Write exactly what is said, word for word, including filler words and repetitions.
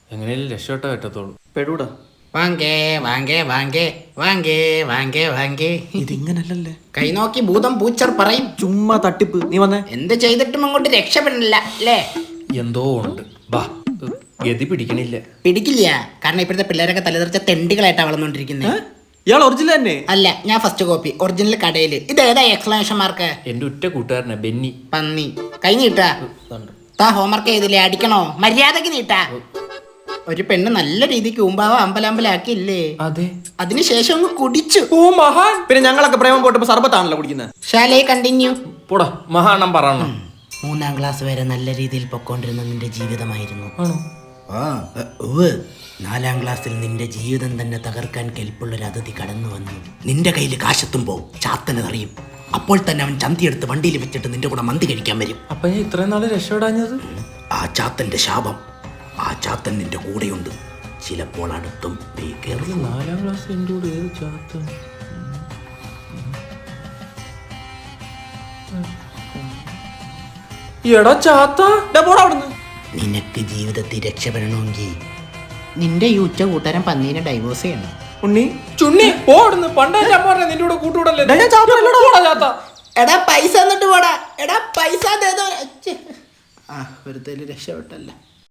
എങ്ങനെയാലും രക്ഷപ്പെട്ട പറ്റത്തുള്ളൂ. പെടൂടാ. വാങ്കേ വാങ്കേ വാങ്കേ വാങ്കേ വാങ്കേ വാങ്കേ. ഇതിങ്ങനല്ലേ കൈ നോക്കി ഭൂതം പൂച്ചർ പറയും. ചുമ്മാ തട്ടിപ്പ്. നീ വന്നേ. എന്ത് ചെയ്തിട്ടും അങ്ങോട്ട് രക്ഷപ്പെടില്ല അല്ലേ? എന്തോ ഉണ്ട്. ബാ, ഗതി പിടിക്കണില്ല. പിടിക്കില്ല. കാരണം ഇപ്പോഴത്തെ പിള്ളേരൊക്കെ തലതെറിച്ച തെണ്ടികളായിട്ടാണ് വളർന്നുകൊണ്ടിരിക്കുന്നത്. ഇയാൾ ഒറിജിനൽ തന്നെ? അല്ല, ഞാൻ ഫസ്റ്റ് കോപ്പി. ഒറിജിനൽ കടയില്. ഇത് ഏതാ എക്സ്ക്ലമേഷൻ മാർക്ക്? എന്റെ ഉറ്റ കൂട്ടുകാരനാ ബെന്നി. പന്നി. കൈ നീട്ടാ. താ ഹോംവർക്ക് ചെയ്തില്ലേ? അടിക്കണോ? മര്യാദക്ക് നീട്ടാ. ഒരു പെണ്ണ് നല്ല രീതിക്ക് ഉമ്പാവ അമ്പലമ്പലാക്കിയില്ലേ? അതെ. അതിനുശേഷം അങ്ങ് കുടിച്ചു. ഓ മഹാൻ. പിന്നെ ഞങ്ങളൊക്കെ പ്രേമം പോട്ടപ്പോ സർബത്താണല്ലോ കുടിക്കുന്നത്. ഷാലേ കണ്ടിന്യൂ. പോടാ മഹാണം പറയണം. മൂന്നാം ക്ലാസ് വരെ നല്ല രീതിയിൽ പൊക്കോണ്ടിരുന്ന നിന്റെ ജീവിതമായിരുന്നു. ആണോ? ആ ഉവ്വ്. നാലാം ക്ലാസ്സിൽ നിന്റെ ജീവിതം തന്നെ തകർക്കാൻ കെൽപ്പുള്ളൊരു അതിഥി കടന്നു വന്നു. നിന്റെ കയ്യിൽ കാശെത്തുമ്പോ ചാത്തനറിയും. അപ്പോൾ തന്നെ അവൻ ചന്തിയെടുത്ത് വണ്ടിയിൽ വെച്ചിട്ട് നിന്റെ കൂടെ മന്തി കഴിക്കാൻ വരും. അപ്പൊ ഞാൻ ഇത്രയും നാള് രക്ഷപ്പെടാഞ്ഞത്? ആ ചാത്തന്റെ ശാപം. ആ ചാത്തൻ നിന്റെ കൂടെയുണ്ട്. ചിലപ്പോൾ അടുത്തും നാലാം ക്ലാസ് എൻ്റെ കൂടെ ഏത് ചാത്തൻ? എടാ ചാത്ത, പോടാ അവിടുന്ന്. നിനക്ക് ജീവിതത്തിൽ രക്ഷപ്പെടണമെങ്കിൽ നിന്റെ ഈ ഉച്ച കൂട്ടുകാരൻ പന്നീനെ ഡൈവോഴ്സ് ചെയ്യണം. ഉണ്ണി ചുണ്ണി പോടുന്നു. പണ്ടേ ഞാൻ പറഞ്ഞ നിന്റെ കൂടെ കൂട്ടുകൂടല്ലേ. ചാത്ത. എടാ പൈസ എന്നിട്ട് പോടാ. എടാ പൈസ ആ വെറുതെ രക്ഷപ്പെട്ടല്ല.